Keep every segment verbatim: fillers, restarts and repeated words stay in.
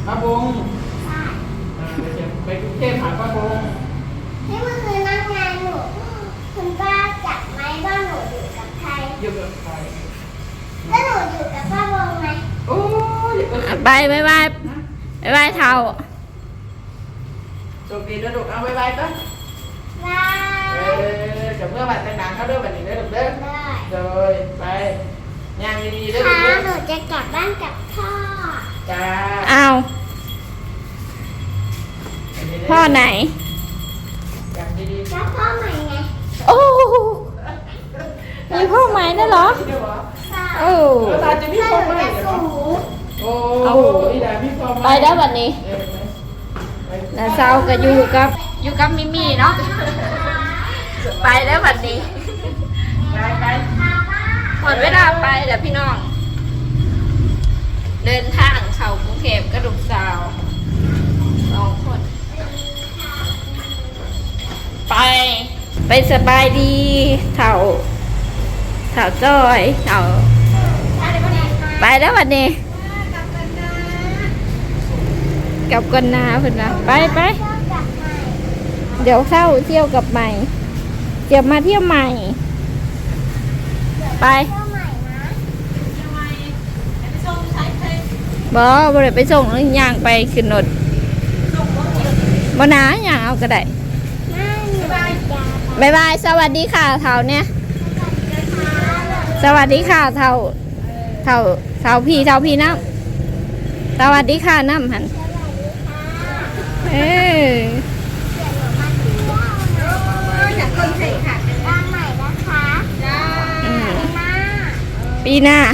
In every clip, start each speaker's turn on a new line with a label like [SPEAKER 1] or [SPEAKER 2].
[SPEAKER 1] ป้าบงไปกรุงเทพหาป้าบง
[SPEAKER 2] ที่เมื่อคืนนั่งงานหนูคุณป้าจับไหมว่าหนูอยู่กับใคร
[SPEAKER 1] อยู่กับใคร
[SPEAKER 2] แล้วหนูอยู่กับป้าบงไหม
[SPEAKER 1] โอ้ย
[SPEAKER 3] ไปไปไปไปไปเท่า
[SPEAKER 1] โชคดีนะลูกเอาไปไปปะ
[SPEAKER 2] ได้
[SPEAKER 1] เออจะเมื่อวันแต่งงานเขาเด้อวันนี้เด้อลูกเด้อเลยไปย่างดีๆเด้อลูก
[SPEAKER 2] ค่ะ
[SPEAKER 1] เด้อ
[SPEAKER 2] หนูจะกลับบ้านกับพ่อ
[SPEAKER 1] จ้า
[SPEAKER 3] เอาพ่อไหน
[SPEAKER 1] ย่างดีๆ
[SPEAKER 2] แล้วพ่อใหม่ไง
[SPEAKER 3] โอ้มีพ่อใหม่นั่นเหรอโอ้
[SPEAKER 1] ตาจะมีพ่อใหม่เหรอโอ้ยได้มีพ่อใหม่
[SPEAKER 3] ไปได้วันนี้น้าเศร้าก็อยู่กับอยู่กับมิมี่เนาะไปแล้ววันนี้
[SPEAKER 1] ไปไป
[SPEAKER 3] หมดเวลาไปแล้วพี่น้องเดินทางเข้ากรุงเทพกระดูกสาวสองคนไปไปสบายดีเถ่าเถ่าจ้อยเถ่าไปแล้ววันนี้กับกันนาเพื่อนนะไปไปเดี๋ยวเข้าเที่ยวกับใหม่เดี๋ยวมาเที่ยวใหม่ไปบอบอเลยไปส่งแล้วย่างไปขึ้นรถบนาย่างเอาก็ได้บายบายสวัสดีค่ะเท่าเนี่ยสวัสดีค่ะเท่าเท่าเท่าพี่เท่าพี่น้ำสวัสดีค่ะน้ำหันเออ
[SPEAKER 2] จากคนไทยค่ะบ้านใหม่นะคะ
[SPEAKER 3] ปีหน้า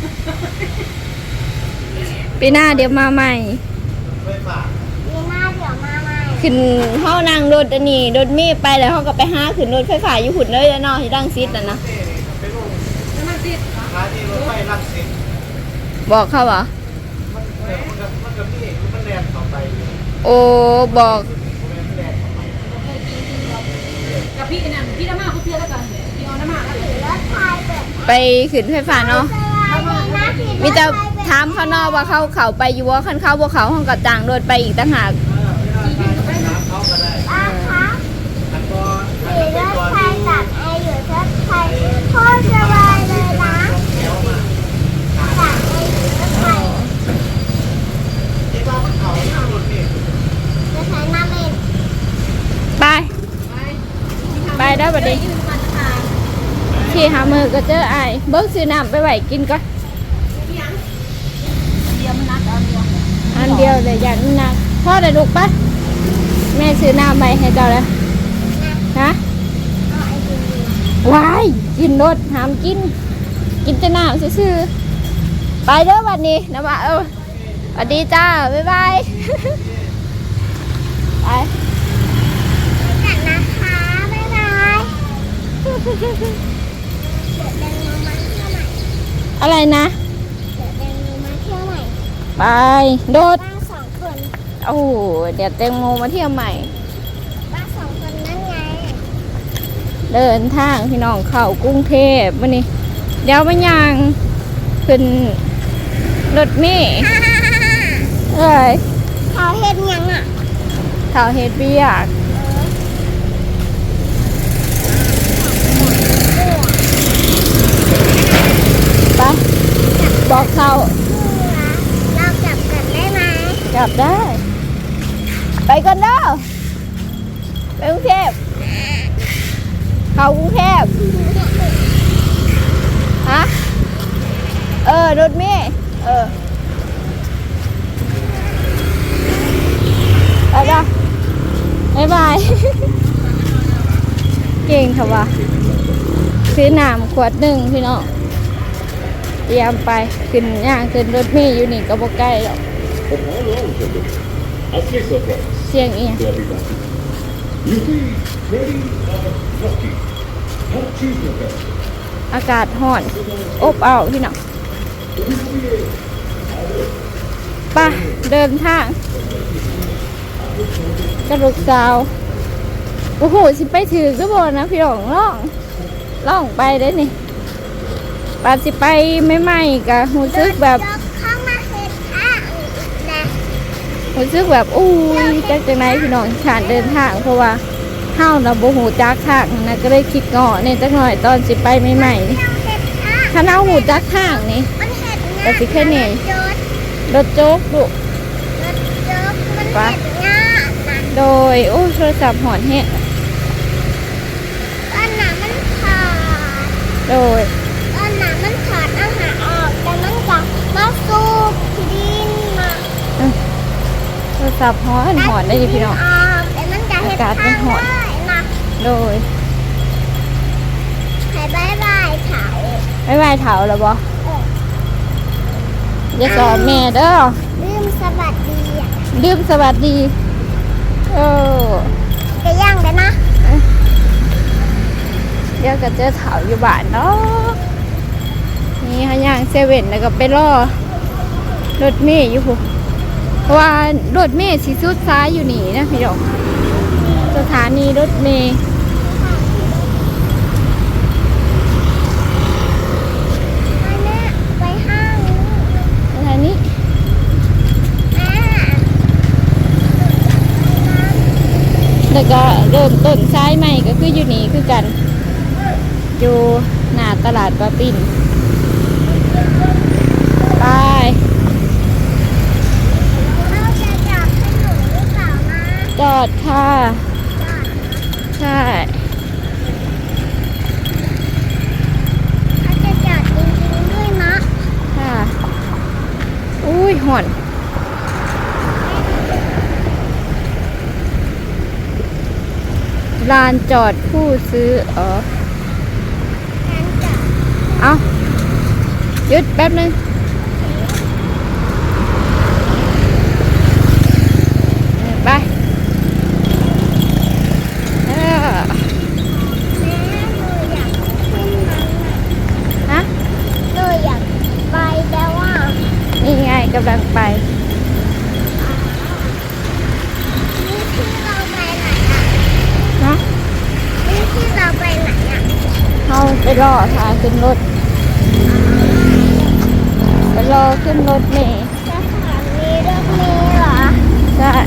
[SPEAKER 3] ปีหน้าเดี๋ยวมาใหม่
[SPEAKER 2] ปีหน้าเดี๋ยวมาใหม่
[SPEAKER 3] ขึ้นห้องนั่งรถอันนี้รถมีไปแล้วเขาก็ไปหาขึ้นรถไฟฟ้าอยู่หุ่นเลยแล้วเนาะที่ดังซิดอ่ะนะบอกเขาเหรอโอ้บอก
[SPEAKER 4] กับพี่กันนะพี่น้ำมาเขาเพื่อนแล้วกันพี่เอาน้ำมาแล้ว
[SPEAKER 3] ไปขึ้นไฟฟ้าเนาะมีแต่ถามเขาเนาะว่าเขาเขาไปอยู่ว่าคันเขาบ่เขาห้องกับจางรถไปอีกต่างหาก
[SPEAKER 2] ป้าคะขี่รถไฟกับไออยู่รถไฟโคตรสบายเลยนะจากไออยู่รถไฟจะใช้น้ำเอง
[SPEAKER 3] ไปไปได้บัดนี้ขี่หามือก็เจอไอเบิ้งซื้อน้ำไปไหวกินก่อนอันเดียวเลยอย่างนักพ่อได้ลูกปะแม่ซื้อน้ำไปให้เจ้าเลยฮะวายกินรถห้ามกินกินแต่น้ำซื่อๆไปเด้อวันนี้นะว่าเออสวัสดีจ้าบ๊ายบายไป
[SPEAKER 2] กันนะคะบ๊ายบายเดี๋ยวเดินมาเที่ยวใหม่
[SPEAKER 3] อะไรนะ
[SPEAKER 2] เดี๋ยวเดินมาเที่ยวใหม่
[SPEAKER 3] ไปโดด
[SPEAKER 2] บ้านสองคน
[SPEAKER 3] โอ้เดี๋ยวแตงโมมาเที่ยวใหม่
[SPEAKER 2] บ้านสองคนนั่นไง
[SPEAKER 3] เดินทางพี่น้องเข้ากรุงเทพวันนี้เดี๋ยวมันยังขึ้นรถเมล์เอ้ย
[SPEAKER 2] เขาเห็นยังอ่ะ
[SPEAKER 3] เท่าเฮ็ดเบียกไปบอกเขา
[SPEAKER 2] เรากลับกันได้ไหม
[SPEAKER 3] กลับได้ไปกันเด้อไปกรุงเทพเข้ากรุงเทพฮะเออรถเมล์เออไปจ้ะบ๊ายบายเก่งค่ะวะซื้อน้ำขวดหนึ่งพี่น้องเตรียมไปขึ้นย่างขึ้นรถเมล์อยู่นี่ก็บ่ใกล้หรอกเสียงอีกอากาศร้อนอบอ้าวพี่น้องไปเดินทางกระดูกสาวโอ้โหสิไปถือก็บอกนะพี่น้องล่องล่องไปได้นี่ปาสิไปไม่ไหมกะหูซึกแบบ
[SPEAKER 2] เข้ามาเห็ดข้างนะ
[SPEAKER 3] รู้สึกแบบอู้ยจักจังไหนพี่น้องขานเดินทางเพราะว่าเฮาเราบ่ฮู้จักทางนะก็เลยคิดเงาะเนี่ยจักหน่อยตอนสิไปใหม่ๆนี่ถ้าเฮาฮู้จักทางนี่
[SPEAKER 2] มันเห็ด
[SPEAKER 3] แต่สิแค่นี้
[SPEAKER 2] จด
[SPEAKER 3] รถโจ๊กดุ
[SPEAKER 2] รถจดมันเห็ดง่านะ
[SPEAKER 3] โดยโอ้โทรศัพท์หอนแฮะ
[SPEAKER 2] ตอนหนามันขาด
[SPEAKER 3] โดย
[SPEAKER 2] ตอนหนามันขาดอาหารออกแต่มันกลับมาสูบดินมา
[SPEAKER 3] โทรศัพท์หอนหอนได้ดิพี่น้อง
[SPEAKER 2] ออกแต่มันจะเห็ด
[SPEAKER 3] อากาศมั
[SPEAKER 2] ทาน ง
[SPEAKER 3] หอน
[SPEAKER 2] ได้นะ
[SPEAKER 3] โดย
[SPEAKER 2] ให้บายบายเถา
[SPEAKER 3] ไม่ไหวเถาแล้วบ่
[SPEAKER 2] เออ
[SPEAKER 3] อย่าสอนแม่เด้อ
[SPEAKER 2] ลืมสวัสดีอ่ะ
[SPEAKER 3] ลืมสวัสดีเออ
[SPEAKER 2] จะย่างได้นะ
[SPEAKER 3] เดี๋ยวก็เจอเถาอยู่บ้านเนาะนี่ฮะย่างเซเว่นแล้วก็ไปรอรถเมย์อยู่พุ่นเพราะว่ารถเมย์สิสุดซ้ายอยู่นี่นะพี่น้องสถานีรถเมย์
[SPEAKER 2] อันเนี้ยไปห้างนี้
[SPEAKER 3] สถานี
[SPEAKER 2] แม่
[SPEAKER 3] แล้วก็เริ่มต้นซ้ายใหม่ก็คืออยู่นี่คือกัน อยู่หน้าตลาดปลาปิ่นไป
[SPEAKER 2] เขาจะจับให้หนูหรือเปล่านะ
[SPEAKER 3] จอดค่ะ
[SPEAKER 2] จับ
[SPEAKER 3] ใช่
[SPEAKER 2] เขาจะจับจริงๆด้วยนะ
[SPEAKER 3] ค่ะอุ้ยห่อนลานจอดผู้ซื้ออ๋อ
[SPEAKER 2] การจับ
[SPEAKER 3] เอาหยุดแป๊บนึงไปเออ
[SPEAKER 2] แม่หนูอยากขึ้นมันน่ะ
[SPEAKER 3] ฮะ
[SPEAKER 2] หนูอยากไปแต่ว่า
[SPEAKER 3] นี่ไงกำลังไป
[SPEAKER 2] นี่ที่เราไปไหนอ่ะ
[SPEAKER 3] นะ
[SPEAKER 2] นี่ที่เราไปไหนอ่ะ
[SPEAKER 3] เขาไปรอทางขึ้นรถไปรอขึ้นรถเมล์
[SPEAKER 2] สถานีรถเมล์เหรอ
[SPEAKER 3] ใช่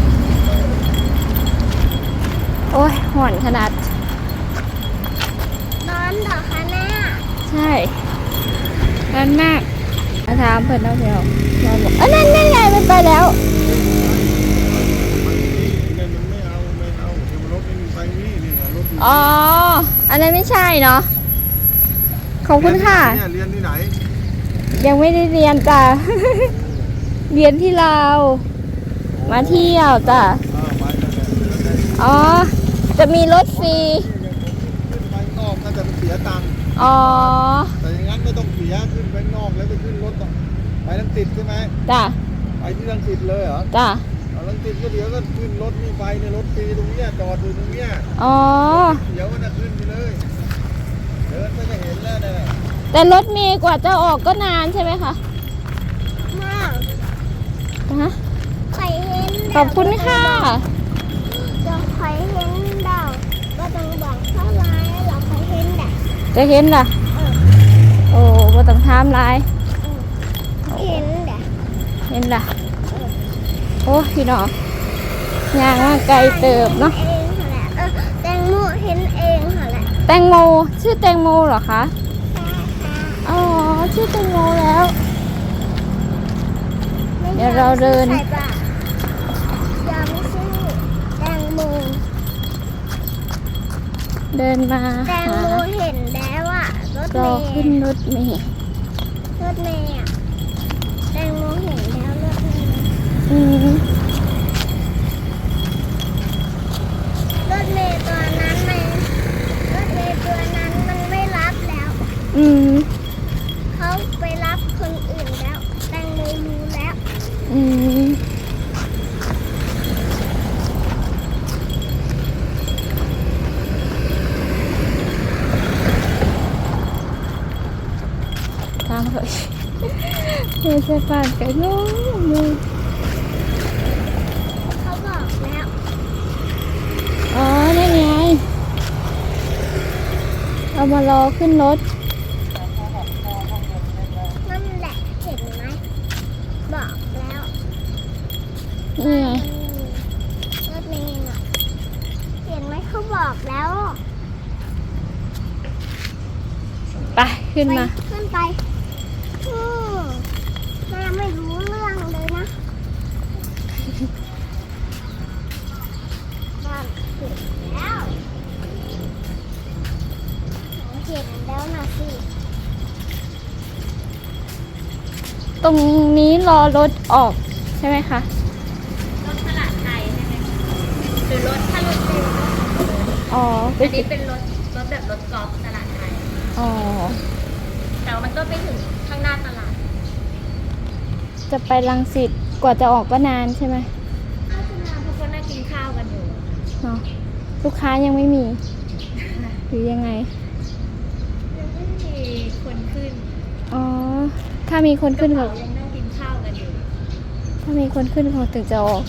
[SPEAKER 3] โอ้ยห่อนขนาด
[SPEAKER 2] ร้อนเหรอคะแม่
[SPEAKER 3] ใช่ร้อนมากมาถามเพื่อนเอาเดี๋ยวเราบอกเอ้ยนั่นนั่นไงมันไปแล้ว
[SPEAKER 5] ไม่เอาไม่เอาเดี๋ยวรถไม่มีไฟนี่นี่รถอยู่
[SPEAKER 3] อ๋อ อันนั้นไม่ใช่เนาะ ขอบคุณค่ะ
[SPEAKER 5] เนี่ยเรียนที่ไหน
[SPEAKER 3] ยังไม่ได้เรียนจ้ะ เรียนที่ลาว มาเที่ยวจ้ะ
[SPEAKER 5] อ่าไปนั่นแหละ
[SPEAKER 3] อ๋อ จะมีรถฟรี
[SPEAKER 5] ขึ้นไปนอกน่าจะเสียตังค์
[SPEAKER 3] อ๋อ
[SPEAKER 5] แต่อย่างนั้นไม่ต้องเสียขึ้นไปนอกแล้วไปขึ้นรถต่อไปลังสิตใช่ไหม
[SPEAKER 3] จ้ะ
[SPEAKER 5] ไปที่ลังสิตเลยเหรอ
[SPEAKER 3] จ้ะ
[SPEAKER 5] เอาลังสิตก็เดี๋ยวก็ขึ้นรถนี่ไปในรถฟรีตรงเนี้ยจอดอยู่ตรงเนี้ย
[SPEAKER 3] อ๋อ
[SPEAKER 5] เดี๋ยวก็จะขึ้นไปเลยเดินไปก็เห็นแล้วเนี่ย
[SPEAKER 3] แต่รถเมย์กว่าจะออกก็นานใช่ไหมคะ
[SPEAKER 2] มาก
[SPEAKER 3] ฮะ
[SPEAKER 2] ใครเห็น
[SPEAKER 3] ขอบคุณค่ะ
[SPEAKER 2] จะใครเห็นดาวก็ต้องบอกเท่าไรเราใครเห็นแดด
[SPEAKER 3] จะเห็นล่ะ
[SPEAKER 2] เออ
[SPEAKER 3] โอ้บ่ต้องถามหลาย
[SPEAKER 2] เห็นแดด
[SPEAKER 3] เห็นล่ะ โอ้พี่น้องย่างมาไกลเติบเนาะ
[SPEAKER 2] เองเหรอแหละเออแตงโมเห็นเองเหรอแหละ
[SPEAKER 3] แตงโม ชื่อแตงโมเหรอคะ
[SPEAKER 2] ใช่ค่ะ
[SPEAKER 3] อ๋อ ชื่อแตงโมแล้ว
[SPEAKER 2] ไม่
[SPEAKER 3] เดี๋ยวเราเดิน
[SPEAKER 2] ใส่บาตรยังไม่ชื่อแตงโม
[SPEAKER 3] เดินมา
[SPEAKER 2] แตง
[SPEAKER 3] หา
[SPEAKER 2] โมเห็นแล้วอ่ะรถ
[SPEAKER 3] ร
[SPEAKER 2] เม
[SPEAKER 3] อ
[SPEAKER 2] ย์
[SPEAKER 3] ขึ้นรถเมล์
[SPEAKER 2] รถเมย์อ่ะแตงโมเห็นแล้วรถเมย์
[SPEAKER 3] อืม
[SPEAKER 2] รถเมย์ตัวนั้นมันรถเมย์ตัวนั้นมันไม่รับแล้ว
[SPEAKER 3] อืม
[SPEAKER 2] เขาไปรับคนอื่นแล้ว แตงโมรู้แล้ว
[SPEAKER 3] อืมตามเลยเฮ้ยจะผ่านกันน้องมือ
[SPEAKER 2] เขาบอกแล้ว
[SPEAKER 3] อ๋อนั่นไงเอามารอขึ้นรถ
[SPEAKER 2] นั่นแหละเห็นไหมบอกแล้ว
[SPEAKER 3] นขึ้นมา
[SPEAKER 2] ไปขึ้นไปอืมแม่ไม่รู้เรื่องเลยนะบ้านเสร็จแล้วเห็นแล้วนะสิ
[SPEAKER 3] ตรงนี้รอรถออกใช่ไหมคะ
[SPEAKER 4] รถตลาดไทยใช่ไหมหรือรถถ้ารถเร็ว
[SPEAKER 3] อ๋อ
[SPEAKER 4] อันนี้เป็นรถรถแบบรถกอล์ฟตลาดไทย
[SPEAKER 3] อ๋อ
[SPEAKER 4] แต่ว่ามันก็ไปถึงข้างหน้าตลาด
[SPEAKER 3] จะไปรังสิตกว่าจะออกก็นานใช่ไหม
[SPEAKER 4] ก็จะมาเพราะเขานั่งกินข้าวกันอยู่
[SPEAKER 3] เนาะลูกค้ายังไม่มี หรือยังไง
[SPEAKER 4] ยังไม่มีคนขึ้น
[SPEAKER 3] อ๋อ ถ้ามีคนขึ้น
[SPEAKER 4] ก
[SPEAKER 3] เขา
[SPEAKER 4] ระเป๋ายังนั่งกินข้าวกันอยู่
[SPEAKER 3] ถ้ามีคนขึ้นเขาถึงจะออก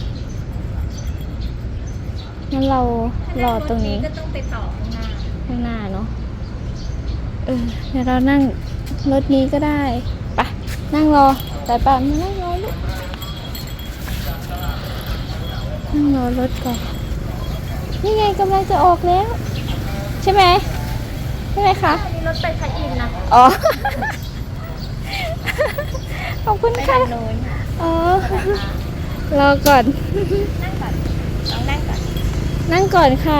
[SPEAKER 3] งั้นเรารอตรงนี้
[SPEAKER 4] ก็ต้องไปต่อข้างหน้า
[SPEAKER 3] ข้างหน้าเนาะ เออ เดี๋ยวเรานั่งรถนี้ก็ได้ไปนั่งรอ แต่ป่ามานั่งรอลูกนั่งรอรถก่อน นี่ไงกำลังจะออกแล้ว ใช่ไหม ใช่ไหมคะ
[SPEAKER 4] อันนี้รถไปพระอินทร์นะ
[SPEAKER 3] อ๋อ ขอบคุณ
[SPEAKER 4] ไป
[SPEAKER 3] ค่ะ
[SPEAKER 4] ทางโน้น
[SPEAKER 3] อ๋อ รอก่อน
[SPEAKER 4] นั่งก่อนลองนั่งก่อน
[SPEAKER 3] นั่งก่อนค่ะ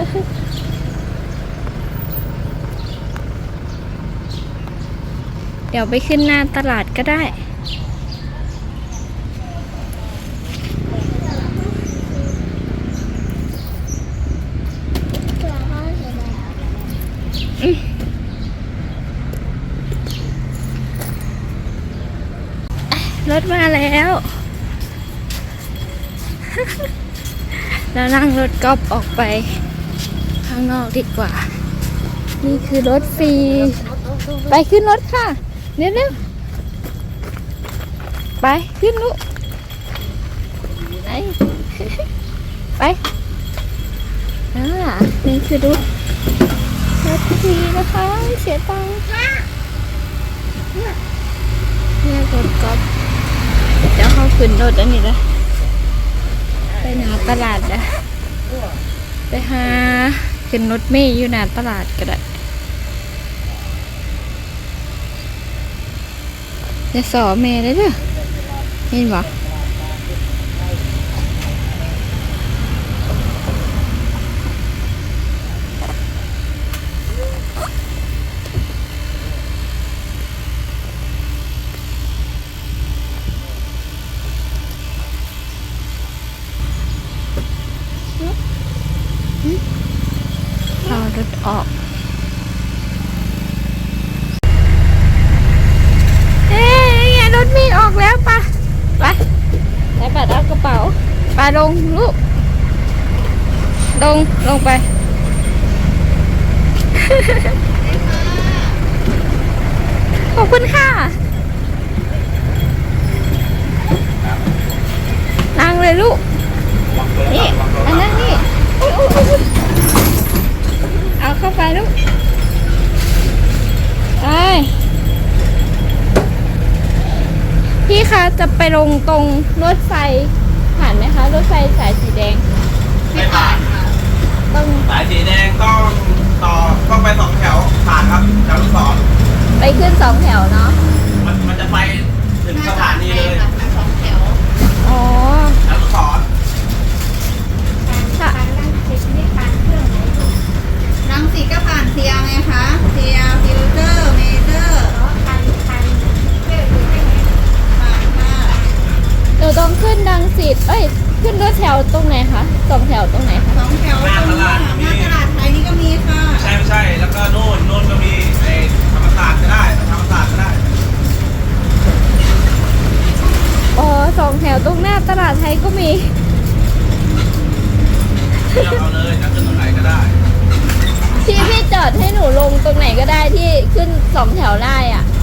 [SPEAKER 3] เดี๋ยวไปขึ้นหน้าตลาดก็ได้
[SPEAKER 2] เผื่อเขาเห็นแล้ว
[SPEAKER 3] รถมาแล้ว แล้วนั่งรถกอล์ฟออกไป ข้างนอกดีกว่า นี่คือรถฟรี ไปขึ้นรถค่ะเร็วๆไปขึ้นลูกไป ไปอ่านี่คือรถรถฟรีนะคะไม่เสียตังค์เนี่ยรถกอล์ฟเดี๋ยวเขาขึ้นรถอันนี้นะไปหน้าตลาดนะไปหาขึ้นรถเมล์อยู่หน้าตลาดก็ได้จะสอเมย์ได้เด้อเห็นบ่รอรถออกเอ๊ะไงรถมีออกแล้วปะไปใส่บัตรเอากระเป๋าไปลงลูกลงลงไป ขอบคุณค่ะนั่งเลยลูกนี่อันนั้นนี่อุ๊ยอุ๊ยอุ๊ยเอาเข้าไปลูกไปพี่คะจะไปลงตรงรถไฟผ่านไหมคะรถไฟสายสีแดง
[SPEAKER 6] ไม่ผ่านครับ
[SPEAKER 3] ต้อง
[SPEAKER 6] สายสีแดงต้องต่อต้องไปสองแถวผ่านครับแถวลูกศร
[SPEAKER 3] ไปขึ้นสองแถวเนาะ
[SPEAKER 6] มันมันจะไปถึงสถานีเลย
[SPEAKER 4] สองแถว
[SPEAKER 3] อ๋อ
[SPEAKER 6] แถวลูกศร
[SPEAKER 3] ค่ะ
[SPEAKER 7] รังสีก็ผ่านเทียไงคะเทียฟิลเตอร์เมเจอร์ผ่านค่ะ
[SPEAKER 3] หนูต้องขึ้นดังสิตเอ้ยขึ้นรถแถวตรงไหนคะสองแถวตรงไหนคะ
[SPEAKER 7] สองแถวตรงนี้ค่ะหน้าตลาดไทยนี่ก็มีค่ะ
[SPEAKER 6] ใช่ไม่ใช่แล้วก็โน่นโน่นก็มีไอ้ธรรมศาสตร์ก็ได้ธรรมศาสตร์ก็ได้
[SPEAKER 3] อ๋อสองแถวตรงหน้าตลาดไทยก็มี
[SPEAKER 6] เลือกเอาเลยจะขึ้นตรงไหนก็ได้
[SPEAKER 3] พี่พี่จอดให้หนูลงตรงไหนก็ได้ที่ขึ้นสองแถวได้อ่ะ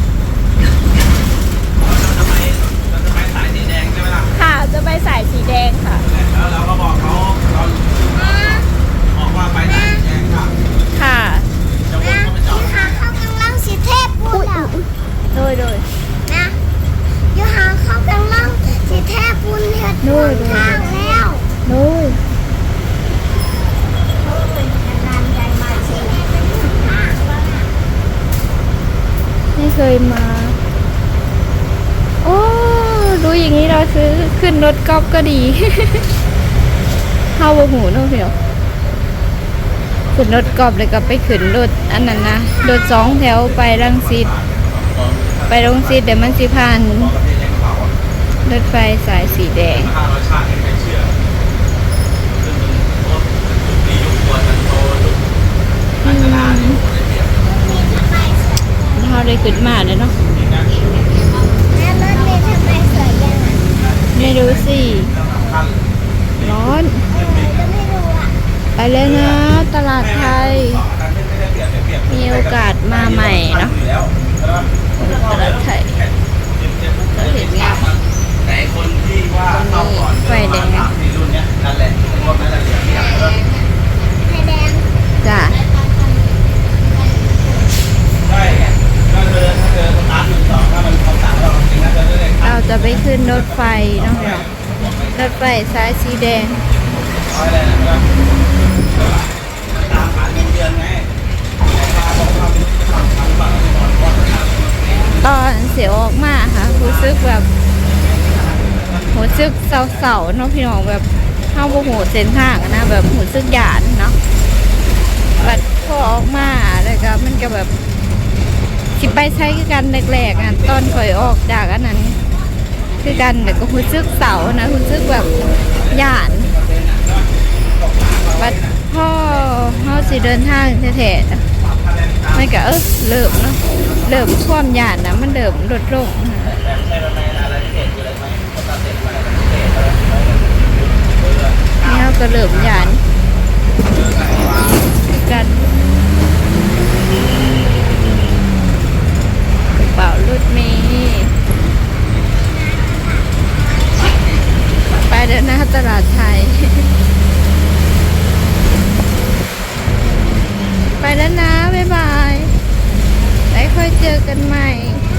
[SPEAKER 6] เราจะไปเราจะไปสายสีแดงใช่ไหมล่ะ
[SPEAKER 3] ค่ะจะไปสายสีแดงค่ะ
[SPEAKER 6] แล้วเราก็บอกเขาเราบอกว่าไปสายสีแดงครับ
[SPEAKER 3] ค่ะ
[SPEAKER 6] จะวนเข้าไปจอด
[SPEAKER 2] ยูหาเข้ากำลังสิเทพพูดแล้ว
[SPEAKER 3] โดยโดย
[SPEAKER 2] นะยูหาเข้ากำลังสิเทพพูดเห็ด
[SPEAKER 3] โดย
[SPEAKER 2] ทางแล้ว
[SPEAKER 3] โดย
[SPEAKER 2] เป็นการใหญ่มาสิเป็นทางแล้วนะ
[SPEAKER 3] อย่างนี้เราซื้อขึ้นรถกอล์ฟก็ดี เข้าบ่หูเนาะพี่น้องขึ้นรถกอล์ฟเลยก็ไปขึ้นรถอันนั้นนะรถสองแถวไปรังสิตไปรังสิตเดี๋ยวมันสิผ่านรถไฟสายสีแดง
[SPEAKER 6] ห้ารสชาติให้ใครเชื่อซึ่งมันโคตรจุดนี้ยุคตัวมันโตยุคนักชนะนี่โคตรได้เปรียบ
[SPEAKER 3] เราได้ขึ้นมาเลยเนาะ
[SPEAKER 6] จริงนะ
[SPEAKER 2] แล้วรถเมล์ทำไมสวยจังอ่ะ
[SPEAKER 3] ไม่รู้สิ
[SPEAKER 6] ขั้น
[SPEAKER 3] ร้อน
[SPEAKER 2] เออก็ไม่รู้อ่ะ
[SPEAKER 3] ไปเลยนะ ตลาดไทย
[SPEAKER 6] ไม่ได้เปรียบเปรียบ
[SPEAKER 3] มีโอกาสมาใหม่เนาะ
[SPEAKER 6] อยู่แล้วใช่ปะ
[SPEAKER 3] ตลาดไทย
[SPEAKER 6] ก็เห็นงานแต่คนที่ว่าเข้าก่อน
[SPEAKER 3] ไฟแดง
[SPEAKER 6] สามสี่รุ่นเนี้ยนั่นแหละพวกนั้นแหละเหลือเปรียบ
[SPEAKER 2] ไฟแดง
[SPEAKER 3] จ้ะ
[SPEAKER 6] ใช่ไงก็เธอถ้าเธอสตาร์ทหนึ่งสองถ้ามันเขาสามเราจริงนะเธอจะได้
[SPEAKER 3] เราจะไปขึ้นรถไฟเนาะรถไฟสายสีแดง
[SPEAKER 6] ร้อยอะไรนะก็ตามหาเงินเดือนไงแต่พาบอกว่าทำทำฝั่งนี้ก่อนเพราะว่า
[SPEAKER 3] ตอนเสียวออกมาค่ะรู้สึกแบบรู้สึกเศร้าๆเนาะพี่น้องแบบเข้าโมโหเส้นทางอะนะแบบรู้สึกหยาดเนาะบัดพอออกมาแล้วก็มันก็แบบสิไปใช้คือกันแรกๆอ่ะตอนข่อยออกจากอันนั้น คือกันแต่ก็รู้สึกเศร้านะรู้สึกแบบหยาดบัดพ่อเขาสิเดินทางแท้ๆไม่ก็เออเริ่มเนาะเริ่มความหยาดนะมันเริ่มลดลง
[SPEAKER 6] ใช่ไหมอะไรเด็ดอยู่เลยไหมเขาตัดเด็ดไปเด็ดอะไร
[SPEAKER 3] นี่เขาก็เริ่มหยานกันกระเป๋ารถเมล์ไปเดินหน้าตลาดไทย ไปแล้วนะ บ๊ายบายไว้ค่อยเจอกันใหม่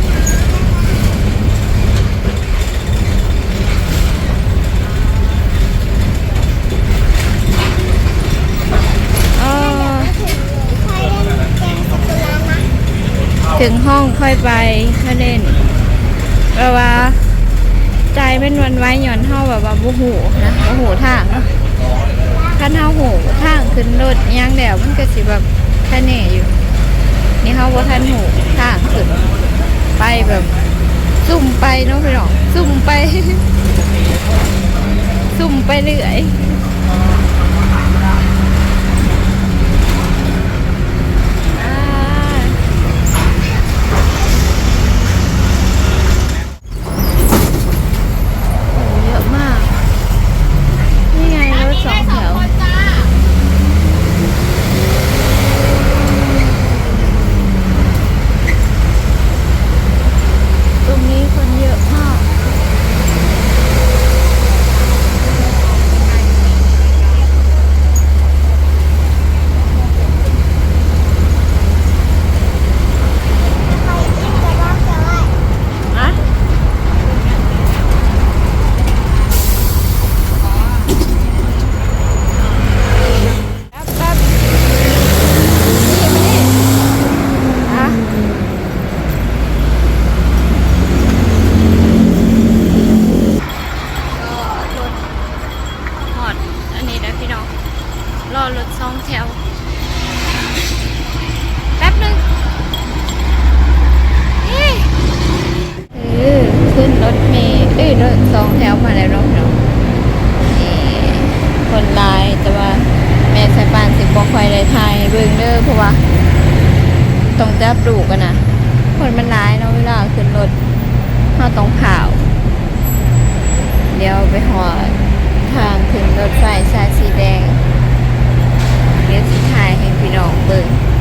[SPEAKER 3] อ๋อ
[SPEAKER 2] ไฟแดงแดงสักุระนะ
[SPEAKER 3] ถึงห้องค่อยไปค่อยเล่นเพราะว่าใจเป็นวันไว้หย่อนเท่าแบบว่าบูหูนะบูหูทางเนาะขั้นเท่าหูทางขึ้นรถย่างแดวมันก็สิแบบแค่เน่อยู่ นี่เขาว่าท่านหูทางขึ้นไปแบบซุ่มไปเนาะพี่น้องซุ่มไป ซุ่มไปเรื่อยอ่าเยอะมาก นี่ไงรถสองแถว ตรงนี้คนเยอะมาก
[SPEAKER 2] ไฟจิ้มกระดอกจะไหว
[SPEAKER 3] อะแป๊บแป๊บนี่มานี่อะก็รถหอดอันนี้นะพี่น้อง รอรถสองแถว แป๊บหนึงเอ๊ะเออขึ้นรถเมล์เอ้ยรถสองแถวมาแล้วเนาะพี่น้องนี่คนหลายแต่ว่าแม่สายปานสิบบอกคอยได้ทายเบิ่งเด้อเพราะว่าต้องจับดูกันนะคนมันหลายเนาะเวลาขึ้นรถเราต้องข่าว เดี๋ยวไปหอดทางขึ้นรถไฟสายสีแดง เดี๋ยวสิถ่ายให้พี่น้องเบิ่ง